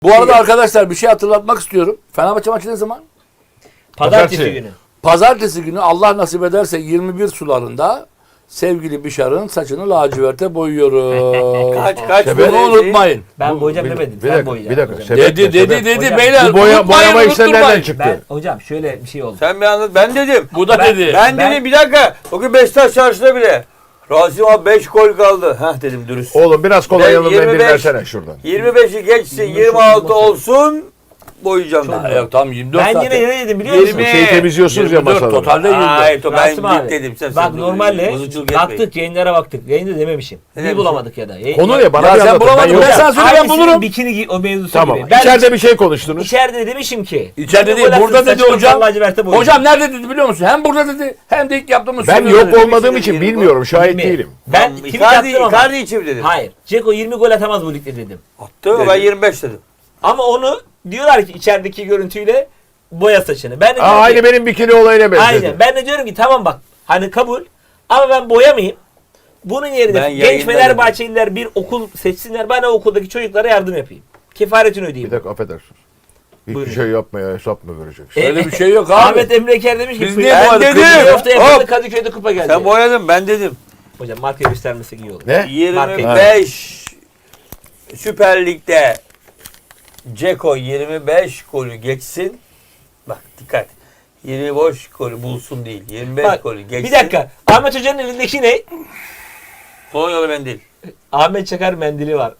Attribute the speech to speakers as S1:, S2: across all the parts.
S1: Bu arada arkadaşlar bir şey hatırlatmak istiyorum. Fenerbahçe maçı ne zaman?
S2: Pazartesi günü.
S1: Pazartesi günü Allah nasip ederse 21 sularında sevgili Bişar'ın saçını laciverte boyuyoruz.
S3: Kaç
S1: Bunu unutmayın.
S2: Ben boyayacağım demedim.
S4: Bir
S2: Sen
S4: dakika,
S2: boyayacaksın.
S4: bir dakika.
S2: hocam.
S4: Sebep ne?
S1: Dedi
S2: Hocam,
S1: beyler.
S4: Bu boyama
S1: unutmayın,
S4: işler nereden
S1: unutturmayın.
S4: çıktı?
S2: Hocam şöyle bir şey oldu.
S3: Sen bir anlat. Ben dedim.
S1: Bu da dedi.
S3: Ben dedim bir dakika. Bugün Beşiktaş çarşıda bile. Rasim abi 5 gol kaldı. Heh dedim dürüst.
S4: Oğlum biraz kolay yanından
S3: 25
S4: bir versene şuradan.
S3: 25'i geçsin 26 olsun. Boyayacağım
S1: Ha,
S3: ben.
S1: yok tamam 24
S2: Ben
S1: zaten.
S2: yine ne dedim biliyor musun?
S3: 20.
S4: Şeyi temizliyorsunuz ya
S1: 24
S4: masada.
S1: totalde 24.
S3: Hayır ben
S2: Rasim abi,
S3: dedim. Sen
S2: bak normalde
S3: bozuculuk etmeyin.
S2: baktık yayınlara baktık. Yayında dememişim.
S3: Ne
S2: Bir
S3: demişim?
S2: bulamadık ya da.
S4: Konu ne? Bana
S1: Ya
S4: bir
S1: sen
S4: anlatın.
S1: bulamadın,
S4: yok.
S1: ben sana söyle, ben
S2: Aynısının
S1: bulurum.
S2: Bikini o mevzusu
S4: Tamam.
S2: gibi. Ben
S4: İçeride bir şey konuştunuz.
S2: İçeride demişim ki.
S1: İçeride değil,
S2: gol
S1: burada
S2: attın,
S1: dedi
S2: saçını
S1: hocam.
S2: laciverte boyayacağım.
S1: Hocam nerede dedi biliyor musun? Hem burada dedi hem de ilk yaptığımız
S4: Ben
S1: stüdyoda
S4: yok
S1: dedi.
S4: olmadığım için bilmiyorum. Şahit
S2: Bilmiyorum.
S4: değilim.
S2: Ben tweet
S3: Icardi,
S2: attım ama.
S3: Icardi için mi dedim?
S2: Hayır. Ceko 20 gol atamaz bu ligde dedim.
S3: Attı mı? Ben 25 dedim.
S2: Ama onu diyorlar ki içerideki görüntüyle boya saçını. Ben de diyorum
S4: Aynı
S2: ki,
S4: benim bikini olayına benzedi.
S2: aynen. Ben de diyorum ki tamam bak hani kabul ama ben boyamayayım. Bunun yerine
S3: Ben
S2: genç
S3: yayında
S2: Fenerbahçeliler bir okul seçsinler. Ben o okuldaki çocuklara yardım yapayım. Kefaretini
S4: Bir
S2: ödeyeyim.
S4: dakika affedersiniz. Hiçbir
S2: Buyurun.
S4: şey yapmaya hesap mı vereceksin?
S1: Öyle bir şey yok abi.
S2: Ahmet Emre Eker demiş ki
S1: Biz niye
S2: ben
S1: boyadık?
S2: dedim.
S3: Dedim.
S2: Hafta yapıldı
S3: Hop.
S2: Kadıköy'de kupa geldi.
S3: Sen boyadın ben dedim.
S2: Hocam marka göstermesek iyi olur.
S4: Ne?
S3: 25 Süper Lig'de Ceko 25 golü geçsin. Bak dikkat. 25 golü bulsun değil. 25
S2: Bak,
S3: golü geçsin.
S2: bir dakika. Ahmet Hoca'nın elindeki ne?
S3: Kolonyalı mendil.
S2: Ahmet Çakar mendili var.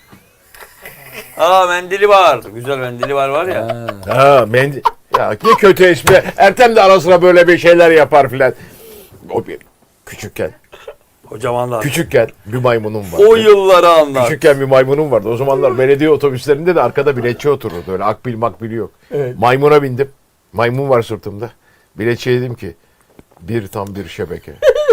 S3: Aa mendili var. Güzel mendili var ya.
S4: Ha mendil. Ya ne kötü espri. Ertem de ara sıra böyle bir şeyler yapar filan. O bir küçükken.
S3: Hocam anlat.
S4: Küçükken bir maymunum vardı.
S3: O yılları anlat.
S4: Küçükken bir maymunum vardı. O zamanlar belediye otobüslerinde de arkada biletçi otururdu. Öyle akbil makbil yok.
S2: Evet.
S4: Maymuna bindim. Maymun var sırtımda. Biletçiye dedim ki tam bir şebeke.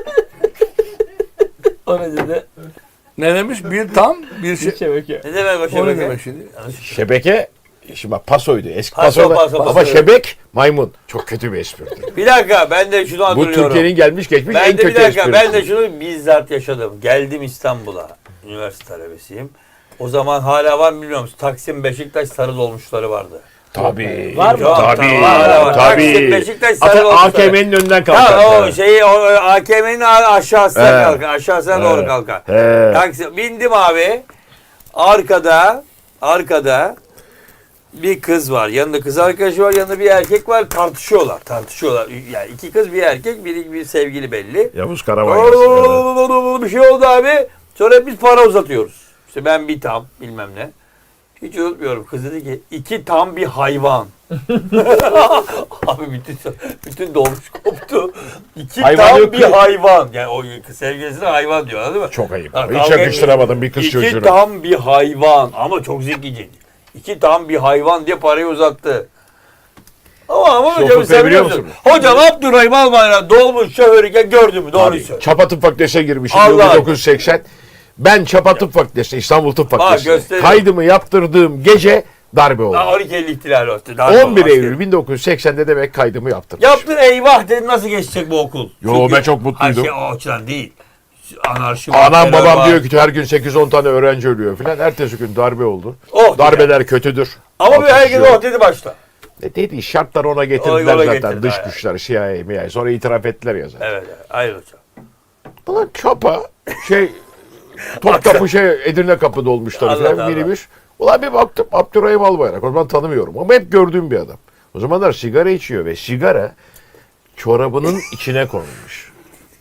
S2: O ne dedi?
S1: Ne demiş? Bir tam bir şey.
S2: Şebeke.
S3: Ne demek o
S1: O ne
S3: şebeke?
S1: demek şimdi?
S4: Şebeke şimdi bak pasoydu. Eski
S3: Paso,
S4: paso,
S3: paso,
S4: ama
S3: paso.
S4: şebek maymun. Çok kötü bir espridir.
S3: Bir dakika ben de şunu
S4: Bu
S3: hatırlıyorum.
S4: Türkiye'nin gelmiş geçmiş en
S3: Ben de
S4: kötü
S3: bir dakika
S4: esprisi.
S3: ben de şunu bizzat yaşadım. Geldim İstanbul'a. Üniversite talebesiyim. O zaman hala var mı bilmiyorum. Taksim Beşiktaş sarı dolmuşları vardı.
S4: Tabii.
S2: Var mı?
S4: Tabii.
S3: Hala var. Taksim
S4: Tabii.
S3: Beşiktaş sarı
S4: Hatta
S3: dolmuşları.
S4: AKM'nin önünden
S3: Ha,
S4: kalkar.
S3: o şeyi o AKM'nin aşağısına
S4: He.
S3: kalkar. Aşağısına doğru kalkar.
S4: He.
S3: Taksim bindim abi. Arkada bir kız var. Yanında kız arkadaşı var. Yanında bir erkek var. Tartışıyorlar. Yani iki kız bir erkek. Bir sevgili belli.
S4: Yavuz Karabağ.
S3: Bir şey oldu abi. Sonra biz para uzatıyoruz. İşte ben bir tam bilmem ne. Hiç unutmuyorum. Kız dedi ki 2 tam bir hayvan. Abi bütün dolmuş koptu. 2
S4: Hayvan
S3: tam
S4: yok
S3: bir
S4: ki.
S3: hayvan. Yani o sevgilisine hayvan diyor anladın mı?
S4: Çok ayıp.
S3: Ha,
S4: Hiç
S3: kavga
S4: yakıştıramadım bir kız
S3: 2
S4: çocuğuna.
S3: tam bir hayvan. Ama çok zekice. 2 tam bir hayvan diye parayı uzattı. Ama
S4: Şu
S3: hocam
S4: fıkrayı
S3: sen
S4: biliyor
S3: biliyor musun?
S4: musun?
S3: Hocam Abdurrahim Albayrak dolmuş şoförüken gördün mü? Doğruyu söyle.
S4: Çapa Tıp Fakültesi'ne girmişim
S3: Allah.
S4: 1980. Ben Çapa Tıp Fakültesi'ne, İstanbul Tıp Fakültesi'ne
S3: gösterin.
S4: kaydımı yaptırdığım gece darbe oldu.
S3: 12 Eylül ihtilali oldu.
S4: 11 Eylül 1980'de demek kaydımı yaptırmışım.
S3: Yaptın eyvah dedin nasıl geçecek bu okul?
S4: Yo,
S3: Çünkü-
S4: ben çok mutluydum.
S3: Hayır, o açıdan değil. Anarşi var.
S4: Anam
S3: terör
S4: babam
S3: var.
S4: diyor ki her gün 8-10 tane öğrenci ölüyor filan. Ertesi gün darbe oldu.
S3: Oh,
S4: Darbeler kötüdür.
S3: Ama bir
S4: Atış
S3: herkes
S4: yok.
S3: oh dedi başta.
S4: Dedi şartlar ona getirdiler
S3: Ona
S4: zaten
S3: getirdi,
S4: dış
S3: aynen.
S4: güçler CIA, MIA. Sonra itiraf ettiler ya zaten.
S3: Evet, hayır hocam.
S4: Ulan Çapa Topkapı Edirne Kapı'da olmuşlar
S3: Allah
S4: falan
S3: Allah.
S4: minibüs. Ulan bir baktım Abdurrahim Albayrak. O zaman tanımıyorum ama hep gördüğüm bir adam. O zamanlar sigara içiyor ve sigara çorabının içine konulmuş.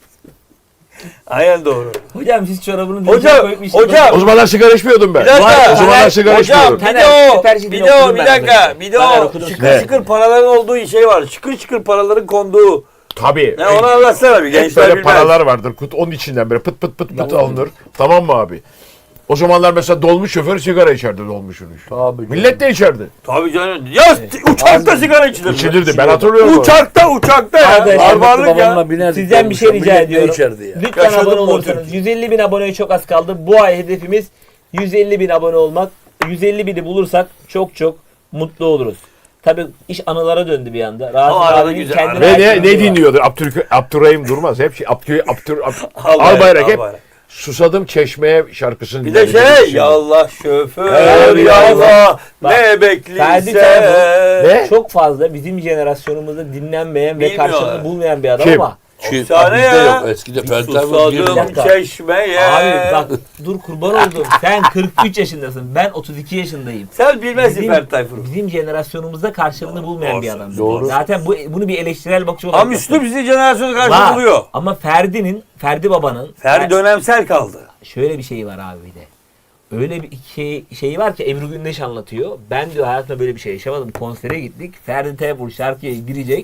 S3: Aynen doğru.
S2: Hocam siz çorabını
S3: Hocam, hocam.
S4: O zamanlar sigara içmiyordum ben.
S3: Bir dakika.
S4: O zamanlar sigara
S3: Hocam
S4: içmiyordum.
S3: bir dakika. Bir de o şıkır
S4: Ne?
S3: şıkır paraların olduğu şey var. Şıkır şıkır paraların konduğu.
S4: Tabii.
S3: Ne onu anlatsana bir
S4: Hep
S3: gençler
S4: böyle
S3: bilmez.
S4: paralar vardır. Onun içinden böyle pıt pıt pıt pıt alınır. Tamam mı abi? O zamanlar mesela dolmuş şoför sigara içerdi dolmuşun.
S1: Tabii.
S4: Millet de içerdi.
S3: Tabii canım. Ya uçakta sigara içilir.
S4: İçilirdi. Ben hatırlıyorum.
S3: Uçakta ya.
S2: Arkadaşlar,
S3: Barbarlık ya.
S2: Sizden bir şey rica ediyorum.
S1: Ya.
S2: Lütfen
S3: Yaşadım
S2: abone
S3: bu
S2: olursanız.
S3: Türkiye.
S2: 150 bin aboneye çok az kaldı. Bu ay hedefimiz 150 bin abone olmak. 150 bini bulursak çok mutlu oluruz. Tabii iş anılara döndü bir anda.
S3: Ama
S2: Rasim
S3: arada
S2: abinin
S3: güzel.
S2: kendine
S4: Ve
S2: ait
S4: ne
S2: bir anı var.
S4: dinliyordu? Abdurrahim Durmaz. Hep Albayrak hep Susadım Çeşmeye şarkısını
S3: Bir de
S4: dinlediğim
S3: şey
S4: için.
S3: yallah şoför
S2: Evet,
S3: yallah
S2: bak,
S3: ne
S2: Ferdi
S3: bekliyse.
S2: Tayfur
S4: Ne?
S2: çok fazla bizim jenerasyonumuzda dinlenmeyen ve
S3: Bilmiyorlar.
S2: karşılığını bulmayan bir adam
S4: Kim?
S2: ama
S3: Efsane
S1: bizde
S3: ya.
S1: yok. Eskide Ferdi Tayfur
S2: Bir
S3: Susadım
S2: dakika.
S3: çeşmeye.
S2: abi bak dur kurban oldum. Sen 43 yaşındasın. Ben 32 yaşındayım.
S3: Sen bilmezsin Ferdi Tayfur'u.
S2: Bizim jenerasyonumuzda karşılığını bulmayan bir
S3: Doğru,
S2: adam.
S1: doğru.
S2: Zaten bunu bir eleştirel bakış olarak
S3: Ama Müslüm
S2: bakıyorum.
S3: bizi jenerasyonu
S2: Var.
S3: karşı buluyor.
S2: Ama Ferdi babanın
S3: Ferdi dönemsel kaldı.
S2: şöyle bir şey var abi bir de. Öyle bir şey var ki Ebru Gündeş anlatıyor. Ben diyor hayatımda böyle bir şey yaşamadım. Konsere gittik. Ferdi Tayfur şarkıya girecek.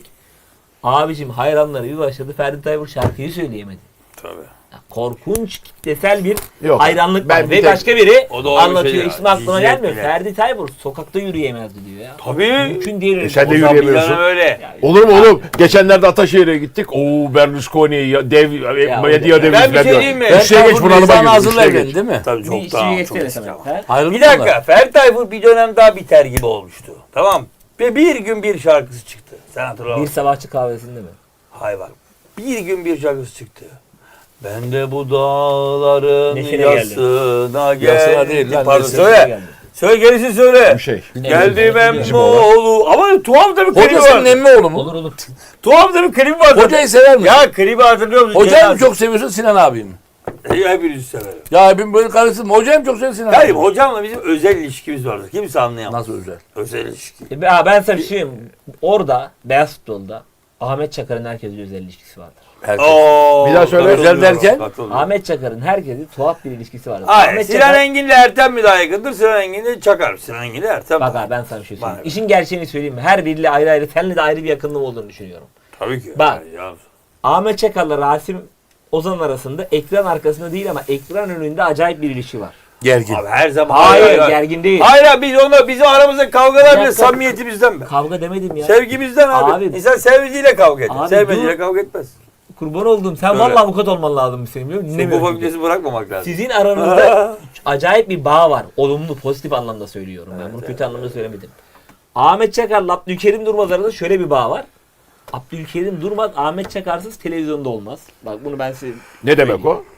S2: Abicim hayranları bir başladı. Ferdi Tayfur şarkıyı söyleyemedi.
S3: Tabii.
S2: Ya korkunç kitlesel bir
S4: Yok,
S2: hayranlık
S4: ben
S2: var.
S4: bir
S2: Ve
S4: tek-
S2: başka biri
S3: O doğru bir
S2: anlatıyor.
S3: şey ya.
S2: İsmi aklıma
S3: Ciddiyet
S2: gelmiyor.
S3: bile.
S2: Ferdi Tayfur sokakta yürüyemezdi diyor ya.
S3: Tabii.
S2: Mümkün değil.
S4: sen de
S3: O zaman bir
S4: yürüyemiyorsun.
S3: dönem öyle.
S4: Olur mu oğlum? Geçenlerde Ataşehir'e gittik. Oo Berlusconi dev medya devi.
S3: Ben bir şey diyeyim mi?
S4: Üstüne geç bunalıma
S1: Nazır'la
S4: giriyor.
S1: Nazır'la
S4: Üstüne
S1: evlendi
S4: geç.
S1: değil mi?
S3: Tabii
S2: Bir
S3: çok
S2: işi
S3: daha çok
S2: geçsene
S3: eski
S2: sana.
S3: ama.
S1: Ayrıldı
S3: Bir
S1: mı
S3: dakika.
S1: onlar?
S3: Ferdi Tayfur bir dönem daha biter gibi olmuştu. Tamam. Ve bir gün bir şarkısı çıktı. Sen hatırla.
S2: Bir sabahçı kahvesinde mi?
S3: Hayır bak. Bir gün bir şarkısı çıktı. Ben de bu dağların
S2: Neşene
S3: yasına geldim.
S1: Yasına değil lan,
S3: Pardon
S1: neşene
S3: söyle.
S2: geldi.
S3: Söyle gerisini söyle.
S4: Bir şey.
S3: Geldim
S4: Bizim oğlan.
S3: Emmoğlu. Ama tuhaf da bir klibi
S1: Hocasının
S3: var.
S1: emmi oğlu mu?
S2: Olur olur.
S3: Tuhaf da bir klibi var.
S1: Hocayı sever misin?
S3: Ya klibi hatırlıyor musun?
S1: Hocayı mı çok seviyorsun Sinan abi mi?
S3: Hepinizi severim.
S1: Ya ben böyle karıştırma. Hocayı mı çok seviyorsun Sinan
S3: Hayır
S1: abi?
S3: hocamla bizim özel ilişkimiz vardı. Kimse anlayamaz.
S1: Nasıl özel?
S3: Özel ilişki.
S2: Ben sana bir şey diyeyim. Orada beyaz futbolda Ahmet Çakar'ın herkesle özel ilişkisi vardır.
S1: Herkes.
S3: Oo,
S4: Bir daha söyle.
S3: katılıyorum,
S1: Özel derken?
S3: katılıyorum.
S2: Ahmet Çakar'ın herkesle tuhaf bir ilişkisi vardır.
S3: Hayır,
S2: Ahmet
S3: Sinan
S2: Çakar...
S3: Engin'le Ertem mi daha yakındır? Sinan Engin'le Çakar. Sinan Engin'le Ertem.
S2: Bak abi ben sana bir şey söyleyeyim.
S3: Bak.
S2: İşin gerçeğini söyleyeyim mi? Her biriyle ayrı ayrı, seninle de ayrı bir yakınlığım olduğunu düşünüyorum.
S3: Tabii ki.
S2: Bak.
S3: Ya.
S2: Ahmet Çakar'la Rasim Ozan arasında ekran arkasında değil ama ekran önünde acayip bir ilişki var.
S1: Gergin.
S3: Abi her zaman.
S2: Hayır, gergin değil.
S3: Hayır abi biz onunla bizim aramızda kavgalar
S2: Bir
S3: bile
S2: dakika.
S3: samimiyetimizden be.
S2: Kavga demedim ya.
S3: Sevgimizden abi.
S2: Abi.
S3: İnsan sevdiğiyle kavga eder.
S2: Abi
S3: Sevmediğiyle
S2: dur.
S3: kavga etmez.
S2: Kurban oldum. Sen
S3: Öyle.
S2: vallahi avukat olman lazım senin biliyor musun?
S3: Bu
S2: Dinlemiyorum.
S3: fakültesi bırakmamak lazım.
S2: Sizin aranızda acayip bir bağ var. Olumlu, pozitif anlamda söylüyorum. Ben bunu kötü anlamda söylemedim. Ahmet Çakar'la Abdülkerim Durmaz arasında şöyle bir bağ var. Abdülkerim Durmaz Ahmet Çakarsız televizyonda olmaz. Bak bunu ben size
S4: Ne demek o?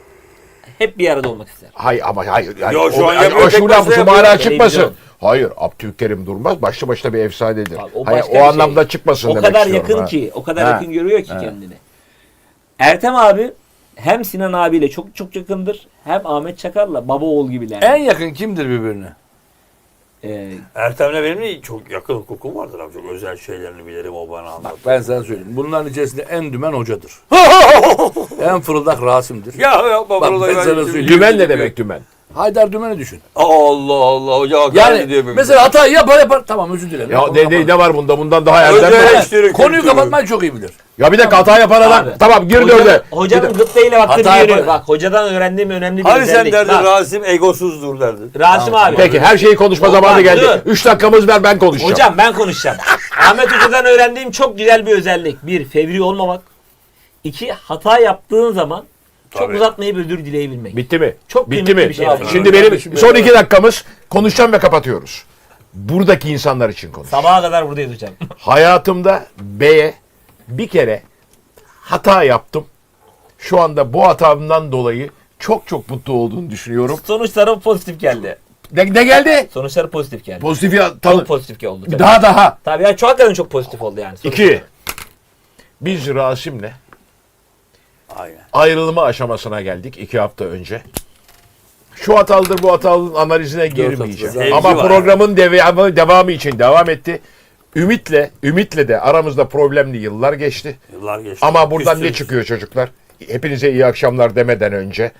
S2: hep bir arada olmak ister.
S4: Hayır ama hayır. Yani
S3: Yo, şu
S4: o,
S3: an
S4: yani
S3: yapıyor,
S4: o
S3: tek
S4: şu
S3: başına
S4: lafı şu
S3: yapıyor.
S4: mana çıkmasın.
S2: Televizyon.
S4: Hayır, Abdülkerim Durmaz başlı başına bir efsanedir.
S2: Bak, o
S4: Hayır,
S2: başka
S4: o
S2: bir şey.
S4: anlamda çıkmasın
S2: O
S4: demek
S2: kadar
S4: istiyorum,
S2: yakın
S4: ha.
S2: ki, o kadar
S4: Ha.
S2: yakın görüyor ki
S4: Ha.
S2: kendini. Ertem abi hem Sinan abiyle çok çok yakındır, hem Ahmet Çakar'la baba oğul gibiler.
S1: En yakın kimdir birbirine?
S3: Ertem'le benim de çok yakın hukukum vardır abi. Çok özel şeylerini bilirim o bana anlat.
S1: Bak ben sana söyleyeyim. Bunların içerisinde en dümen hocadır. En fırıldak Rasim'dir.
S3: Ya yapma
S1: Bak,
S3: buraları
S1: ben sana söyleyeyim.
S4: Dümen ne demek dümen?
S1: Haydar Dümen'i düşün.
S3: Allah Allah hoca hakaret diyor
S1: Yani
S3: benim.
S1: mesela hatayı yapar. Tamam özür dilerim.
S4: Ya
S1: Onu
S4: ne
S1: yaparım.
S4: var bunda? Bundan daha erdem
S3: Özel
S4: mi?
S3: eleştiri
S1: Konuyu
S3: kültürü.
S1: kapatmayı çok iyi bilir.
S4: Ya bir dakika hata yapan adam.
S2: Abi.
S4: Tamam gir dörde.
S2: Hocanın gıptayla baktığı
S1: Hata
S2: bir yönü.
S1: yapar.
S2: Bak hocadan öğrendiğim önemli bir
S3: Hani sen
S2: özellik.
S3: derdin
S2: Bak,
S3: Rasim egosuzdur derdin.
S2: Rasim abi.
S4: Peki her şeyi konuşma
S2: Olmaz,
S4: zamanı geldi.
S2: dur.
S4: 3 dakikamız ver ben konuşacağım.
S2: Hocam ben konuşacağım. Ahmet Hoca'dan öğrendiğim çok güzel bir özellik. Bir, fevri olmamak. İki, hata yaptığın zaman çok
S3: Tabii.
S2: uzatmayıp özür dileyebilmek.
S4: Bitti mi?
S2: Çok
S4: Bitti
S2: kıymetli
S4: mi?
S2: bir şey abi.
S4: Şimdi benim son 2 dakikamız konuşacağım ve kapatıyoruz. Buradaki insanlar için konuş.
S2: Sabaha kadar buradayız hocam.
S4: Hayatımda B'ye bir kere hata yaptım. Şu anda bu hatamdan dolayı çok mutlu olduğunu düşünüyorum.
S2: Sonuçları pozitif geldi.
S4: Ne geldi?
S2: Sonuçları pozitif geldi.
S4: Pozitif ya tanı.
S2: Çok pozitif oldu. Tabii.
S4: Daha.
S2: Tabii yani çok hakikaten çok pozitif oldu yani. Sonuçları.
S4: 2. Biz Rasim'le
S3: Aynen.
S4: ayrılma aşamasına geldik 2 hafta önce. Şu hatalıdır bu hatalının analizine girmeyeceğim.
S3: Sevgi
S4: Ama
S3: var.
S4: programın devamı için devam etti. Ümit'le de aramızda problemli yıllar geçti.
S3: Yıllar geçti.
S4: Ama buradan ne
S3: Küstünüz.
S4: çıkıyor çocuklar? Hepinize iyi akşamlar demeden önce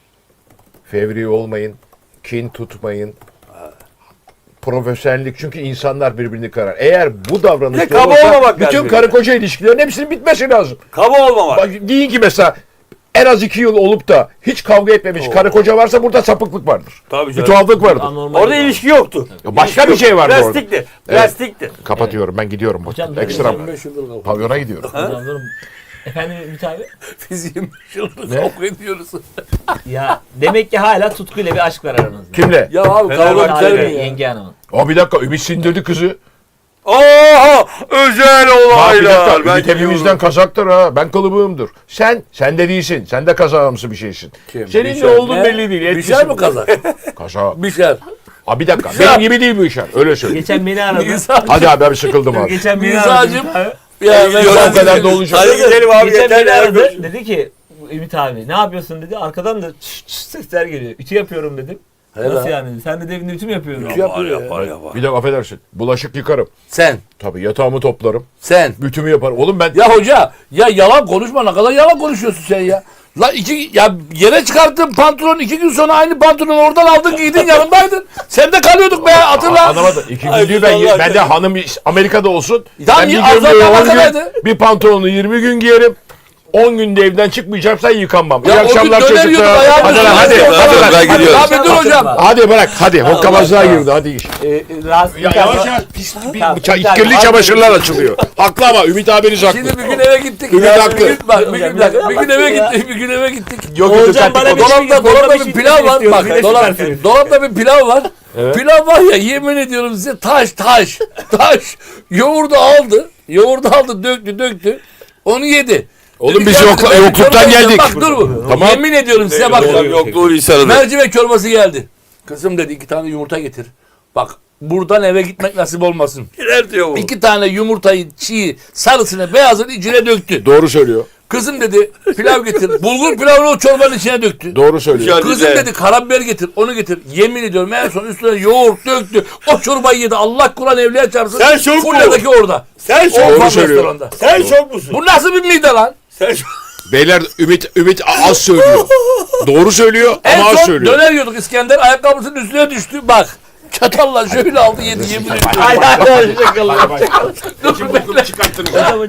S4: fevri olmayın, kin tutmayın. Profesyonellik çünkü insanlar birbirini karar. Eğer bu
S3: Bir de
S4: davranışta
S3: kaba
S4: olursa
S3: olmamak
S4: bütün
S3: lazım.
S4: karı koca ilişkilerin hepsinin bitmesi lazım.
S3: Kaba olmamak.
S4: Bak, deyin ki mesela en az 2 yıl olup da hiç kavga etmemiş karı koca varsa burada sapıklık vardır.
S3: Tabii
S4: Bir
S3: canım.
S4: tuhaflık vardır.
S2: Anormal
S3: Orada
S2: oldu.
S3: ilişki yoktu.
S4: Ya başka
S3: İlişki
S4: bir şey
S3: yoktu.
S4: vardı orada.
S3: Plastikti. Plastikti.
S4: Kapatıyorum ben gidiyorum.
S2: Hocam,
S4: Ekstra
S1: 25 yıldır kavga.
S4: pavyona gidiyorum.
S2: Hocam durun. Efendim Ümit abi?
S1: Biz 25 yıldır
S4: Ne?
S1: kavga ediyoruz.
S2: Ya demek ki hala tutkuyla bir aşk var aranızda.
S4: Kimle?
S1: Ya abi
S3: Fenerbahçe
S1: kavga güzel
S2: Abi
S1: mi ya?
S2: yenge hanımın.
S4: O bir dakika Ümit sindirdi kızı.
S3: Oha! Özel
S4: Ha, bir
S3: olaylar.
S4: dakika.
S3: Ben
S4: Ümit hepimizden
S3: gidiyorum.
S4: kazaktır ha. Ben kalıbığımdır. Sen de değilsin. Sen de kazağımsı bir şeysin.
S1: Kim?
S4: Senin ne
S1: Bişar.
S4: olduğun belli değil.
S1: Bişar mı kazak?
S4: Kaza.
S1: Bişar.
S4: Ha bir dakika. Benim gibi değil bu işler. Öyle söyle.
S2: Geçen beni aradı.
S1: İsa.
S4: Hadi abi ben sıkıldım abi.
S2: Geçen beni
S1: İsa'cığım.
S2: aradı.
S1: Ya
S3: gidiyorum,
S1: ben
S4: O kadar da olacak.
S3: Hadi gidelim abi
S2: Geçen
S3: yeter
S2: beni
S3: ya.
S2: aradı. Dedi ki Ümit abi ne yapıyorsun dedi. Arkadan da çıt çıt sesler geliyor. Ütü yapıyorum dedim.
S1: Helal.
S2: Nasıl yani dedi. Sen de evinde ütü mü yapıyorsun?
S1: Ütü yapıyor ya.
S4: Bir de affedersin. Bulaşık yıkarım.
S1: Sen.
S4: Tabii yatağımı toplarım.
S1: Sen.
S4: Bütümü yaparım. Oğlum ben
S1: Ya hoca ya yalan konuşma, ne kadar yalan konuşuyorsun sen ya. La ya yere çıkarttın pantolon, 2 gün sonra aynı pantolonu oradan aldın giydin, yanımdaydın. Sen de kalıyorduk be, hatırla.
S4: anlamadım. İki
S3: Ay,
S4: gün
S3: vallahi
S4: ben de hanım Amerika'da olsun.
S1: Tamam,
S4: Ben bir
S1: Azat
S4: gömleği 10
S1: Amerika'daydı.
S4: gün, bir pantolonu 20 gün giyerim. 10 günde evden çıkmayacaksan yıkanmam. İyi
S1: Ya o gün
S4: akşamlar
S1: döner
S4: çocuklar.
S1: yiyorduk, ayağımız
S4: Hadi lan
S1: yiyorduk.
S4: hadi.
S3: Hadi,
S4: Hadi
S3: ben
S4: lan.
S3: gidiyorum.
S1: Abi dur hocam.
S4: Hadi bırak hadi. Hokkabazlığa girdi hadi iş.
S2: Rahatsız
S4: Ya yavaş yavaş pis
S2: Tamam,
S4: kirli çamaşırlar açılıyor. Haklı ama Ümit abiniz haklı.
S1: Şimdi bir gün eve gittik.
S4: Ümit
S1: Ya,
S4: haklı.
S1: bir gün, bak, bir gün, bir gün eve gittik. Bir gün eve gittik.
S4: Yok
S2: Oğulcan bana bir şey
S1: Dolapta bir pilav var.
S2: istiyoruz,
S1: Bak
S2: bir de süper.
S1: dolapta bir pilav var. Pilav var ya, yemin ediyorum size, taş. Yoğurdu aldı, döktü. Onu yedi.
S4: Oğlum
S1: Dedi
S4: biz
S1: ki,
S4: yokluktan
S1: ben çorba
S4: geldik.
S1: yiyeceğim. Bak dur bu.
S4: Tamam.
S1: Yemin ediyorum size bak.
S3: Hocam yokluğu insanı.
S1: Mercimek çorbası geldi. Kızım dedi 2 tane yumurta getir. Bak buradan eve gitmek nasip olmasın.
S3: Girer diyor bu.
S1: 2 tane yumurtayı çiğ, sarısını, beyazını içine döktü.
S4: Doğru söylüyor.
S1: Kızım dedi pilav getir. Bulgur pilavını o çorbanın içine döktü.
S4: Doğru söylüyor.
S3: Hadi
S1: Kızım
S3: de.
S1: dedi karabiber getir, onu getir. Yemin ediyorum en son üstüne yoğurt döktü. O çorbayı yedi. Allah Kur'an evliya çarpsın.
S3: Sen şok mu?
S1: Fulya'daki orada.
S3: Sen
S1: O
S3: şok
S4: Doğru
S1: ufak
S4: söylüyor.
S1: restoranda.
S3: Sen şok musun?
S1: Bu nasıl bir mide lan?
S3: Sen şok.
S4: Beyler Ümit az söylüyor. Doğru söylüyor
S1: En
S4: ama az
S1: son
S4: söylüyor.
S1: döner yiyorduk, İskender ayakkabısının üstüne düştü. Bak çatalla şöyle aldı yedi, yemin ediyorum.
S2: Ay ay ay şakalı.
S1: Dur bekle.